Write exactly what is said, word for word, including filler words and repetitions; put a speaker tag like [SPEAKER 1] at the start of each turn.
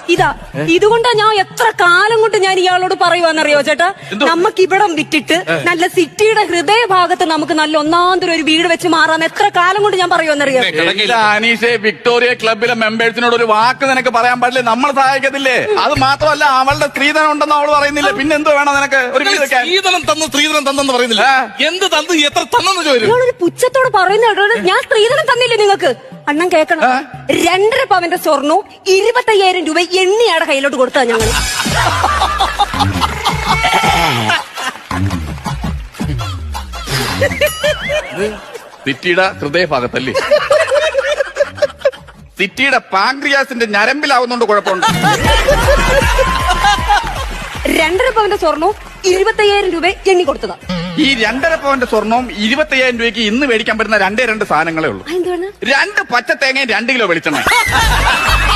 [SPEAKER 1] ഇതാ ഇതുകൊണ്ടാ ഞാൻ എത്ര കാലം കൊണ്ട് ഞാൻ ഇയാളോട് പറയുവാന്നറിയോ ചേട്ടാ, നമുക്ക് ഇവിടം വിറ്റിട്ട് നല്ല സിറ്റിയുടെ ഹൃദയഭാഗത്ത് നമുക്ക് നല്ല ഒന്നാന്തരം ഒരു വീട് വെച്ച് മാറാൻ എത്ര കാലം കൊണ്ട് ഞാൻ പറയുവാന്നറിയോ.
[SPEAKER 2] അനീഷെ, വിക്ടോറിയ ക്ലബിലെ മെമ്പേഴ്സിനോട് ഒരു വാക്ക് നിനക്ക് പറയാൻ പാടില്ലേ? നമ്മൾ സഹായിക്കത്തില്ലേ? അത് മാത്രമല്ല, അവളുടെ സ്ത്രീധനം ഉണ്ടെന്ന് അവള് പറയുന്നില്ല. പിന്നെ എന്തോ വേണം നിനക്ക്? ഒരു വീട് വെക്കാൻ
[SPEAKER 3] സ്ത്രീധനം തന്നു സ്ത്രീധനം തന്നെന്ന് പറയുന്നില്ല. എന്ത് തന്നു, എത്ര തന്നെന്ന് ചോദിച്ചു.
[SPEAKER 1] ഒരു പുച്ഛത്തോട് പറയുന്ന ഞാൻ സ്ത്രീധനം തന്നില്ലേ നിങ്ങൾക്ക്? അണ്ണൻ കേക്കണം, രണ്ടര പവന്റെ സ്വർണവും ഇരുപത്തയ്യായിരം രൂപ എണ്ണിയാടെ കയ്യിലോട്ട് കൊടുത്താ ഞങ്ങൾ.
[SPEAKER 2] സിറ്റിയുടെ ഹൃദയഭാഗത്തല്ലേ? സിറ്റിയുടെ പാങ്ക്രിയാസിന്റെ ഞരമ്പിലാവുന്നോണ്ട് കുഴപ്പമുണ്ട്.
[SPEAKER 1] രണ്ടര പവന്റെ സ്വർണവും ഇരുപത്തയ്യായിരം രൂപ എണ്ണി കൊടുത്തതാ.
[SPEAKER 2] ഈ രണ്ടര പവന്റെ സ്വർണവും ഇരുപത്തയ്യായിരം രൂപയ്ക്ക് ഇന്ന് മേടിക്കാൻ പറ്റുന്ന രണ്ടേ രണ്ട് സാധനങ്ങളേ ഉള്ളൂ. രണ്ട് പച്ച തേങ്ങയും രണ്ട് കിലോ വെളിച്ചെണ്ണ.